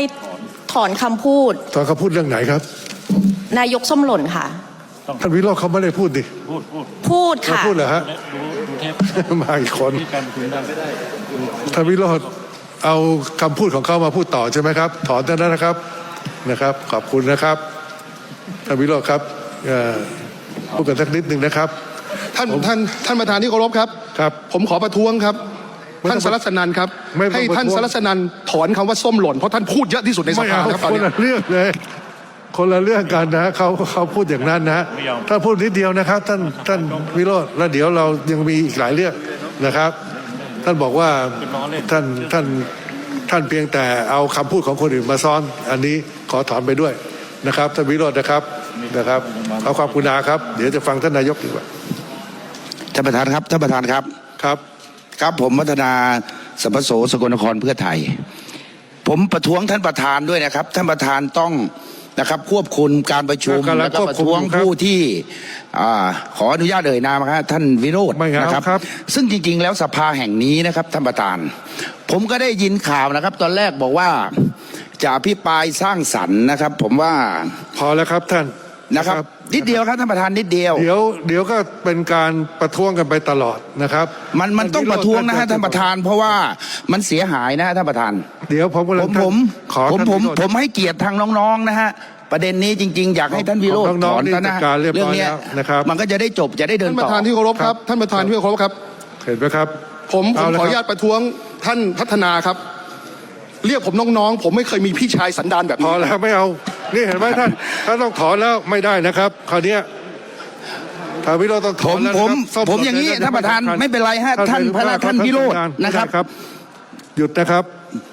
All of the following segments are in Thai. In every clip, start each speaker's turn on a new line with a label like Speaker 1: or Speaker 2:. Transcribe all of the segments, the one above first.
Speaker 1: ถอนคำพูด
Speaker 2: ถอนคำพูดเรื่องไหนครับ
Speaker 1: นายกส้มหล่นค่ะ
Speaker 2: ท่านวิโรจน์เขาไม่ได้พูดดิ
Speaker 1: พูดค่ะ
Speaker 2: พูดเหรอฮะมาอีกคนท่านวิโรจน์เอาคำพูดของเขามาพูดต่อใช่ไหมครับถอนได้แล้วนะครับขอบคุณนะครับท่านวิโรจน์ครับพูดกันสักนิดหนึ่งนะครับ
Speaker 3: ท่านประธานที่เคารพครับผมขอประท้วงครับท่านสรัสนันครับให้ท่านสรัสนันถอนคำว่าส้มหล่นเพราะท่านพูดเยอะที่สุดในสภาครับ
Speaker 2: คนละเรื่องเลยคนละเรื่องกันนะเขาพูดอย่างนั้นนะท่านพูดนิดเดียวนะครับท่านวิโรจน์แล้วเดี๋ยวเรายังมีอีกหลายเรื่องนะครับท่านบอกว่าท่านเพียงแต่เอาคำพูดของคนอื่นมาซ้อนอันนี้ขอถอนไปด้วยนะครับท่านวิโรจน์นะครับเอาความกรุณาครับเดี๋ยวจะฟังท่านนายกดีกว่า
Speaker 4: ท่านประธานครับครับผมวัฒนาสัมปโสสกลนครเพื่อไทยผมประท้วงท่านประธานด้วยนะครับท่านประธานต้องนะครับควบคุมการประชุมแล้วก็ประท้วงผู้ที่ขออนุญาตเอ่ยนามครับท่านวิโรจน์นะครับซึ่งจริงๆแล้วสภาแห่งนี้นะครับท่านประธานผมก็ได้ยินข่าวนะครับตอนแรกบอกว่าจะอภิปรายสร้างสรรค์นะครับผมว่า
Speaker 2: พอแล้วครับท่าน
Speaker 4: นะครับนิดเดียวครับท่านประธานนิดเดียว
Speaker 2: เดี๋ยวก็เป็นการประท้วงกันไปตลอดนะครับ
Speaker 4: มันต้องประท้วงนะฮะท่านประธานเพราะว่ามันเสียหายนะท่านประธาน
Speaker 2: เดี๋ยว
Speaker 4: ผมให้เกียรติทางน้องๆนะฮะประเด็นนี้จริงๆอยากให้ท่านวิโรจน์ถอนนะเรื่องนี้นะครับมันก็จะได้จบจะได้เดินต่อ
Speaker 3: ท่านประธานที่เคารพครับท่านประธานที่เคารพครับ
Speaker 2: เห็นไหมครับ
Speaker 3: ผมขออนุญาตประท้วงท่านพัฒนาครับเรียกผมน้องๆผมไม่เคยมีพี่ชายสันดานแบบนี้
Speaker 2: พอแล้วไม่เอานี่เห็นไหมท่านต้องถอนแล้วไม่ได้นะครับคราวนี้ทางวิโรจน์ต้องถอนแล้ว
Speaker 4: ผมอย่างนี้ท่านประธานไม่เป็นไรฮะท่านวิโรจน์นะครับ
Speaker 2: หยุดนะครับ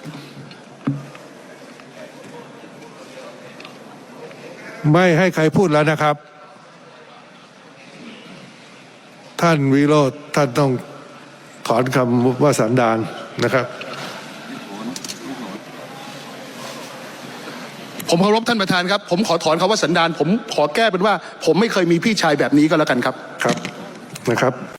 Speaker 2: ไม่ให้ใครพูดแล้วนะครับท่านวิโรจน์ท่านต้องถอนคำว่าสันดานนะครับ
Speaker 3: ผมเคารพท่านประธานครับผมขอถอนคำว่าสันดานผมขอแก้เป็นว่าผมไม่เคยมีพี่ชายแบบนี้ก็แล้วกันครับ
Speaker 2: นะครับ